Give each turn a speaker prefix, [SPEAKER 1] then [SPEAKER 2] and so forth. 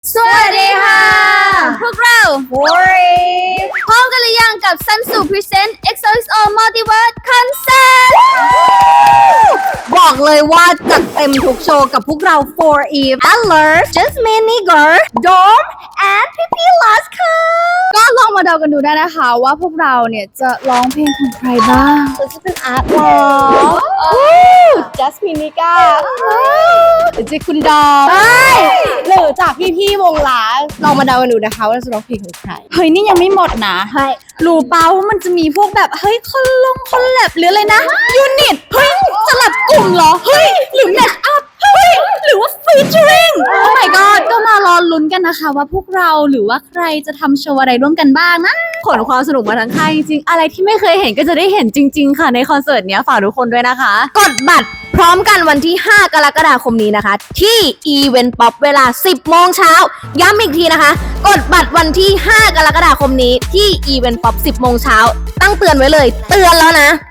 [SPEAKER 1] สวัสดีค่ะ พวกเรา
[SPEAKER 2] Four
[SPEAKER 1] พร้อมกันหรือยังกับ Sunsu Present XOXO Multiverse Concert
[SPEAKER 2] บอกเลยว่าจัดเต็มทุกโชว์กับพวกเรา For Eve Alert Jasmine Nigger Dorm and PP Last ค่ะ
[SPEAKER 1] ก็ลองมาเดากันดูได้นะคะว่าพวกเราเนี่ยจะร้องเพลงของใครบ้าง
[SPEAKER 2] ฉันจะเป็นอาร์ตหรอ Jasmine Nigger หรือจะคุณดอมหรือจากพี่ๆวงล้าลองมาเดากันดูนะคะว่าเราจะร้องเพลงของใคร
[SPEAKER 1] เฮ้ยนี่ยังไม่หมดนะ
[SPEAKER 2] ใช่
[SPEAKER 1] รู้เปล่าว่ามันจะมีพวกแบบเฮ้ยคอลแลบหรืออะไรนะยูนิตเฮ้ยสลับกลุ่มเหรอเฮ้ยหรือแมทอัพเฮ้ยหรือว่าฟีเจอริงโอ้ my god ก็มารอลุ้นกันนะคะว่าพวกเราหรือว่าใครจะทำโชว์อะไรร่วมกันบ้างนะ
[SPEAKER 2] ขนความสนุกมาทั้งค่ายจริงๆอะไรที่ไม่เคยเห็นก็จะได้เห็นจริงๆค่ะในคอนเสิร์ตเนี้ยฝากทุกคนด้วยนะคะ กดบัตรพร้อมกันวันที่ 5 กรกฎาคมนี้นะคะ ที่ Event Pop เวลา 10 โมงเช้าย้ำอีกทีนะคะ กดบัตรวันที่ 5 กรกฎาคมนี้ที่ Event Pop 10 โมงเช้าตั้งเตือนไว้เลย เตือนแล้วนะ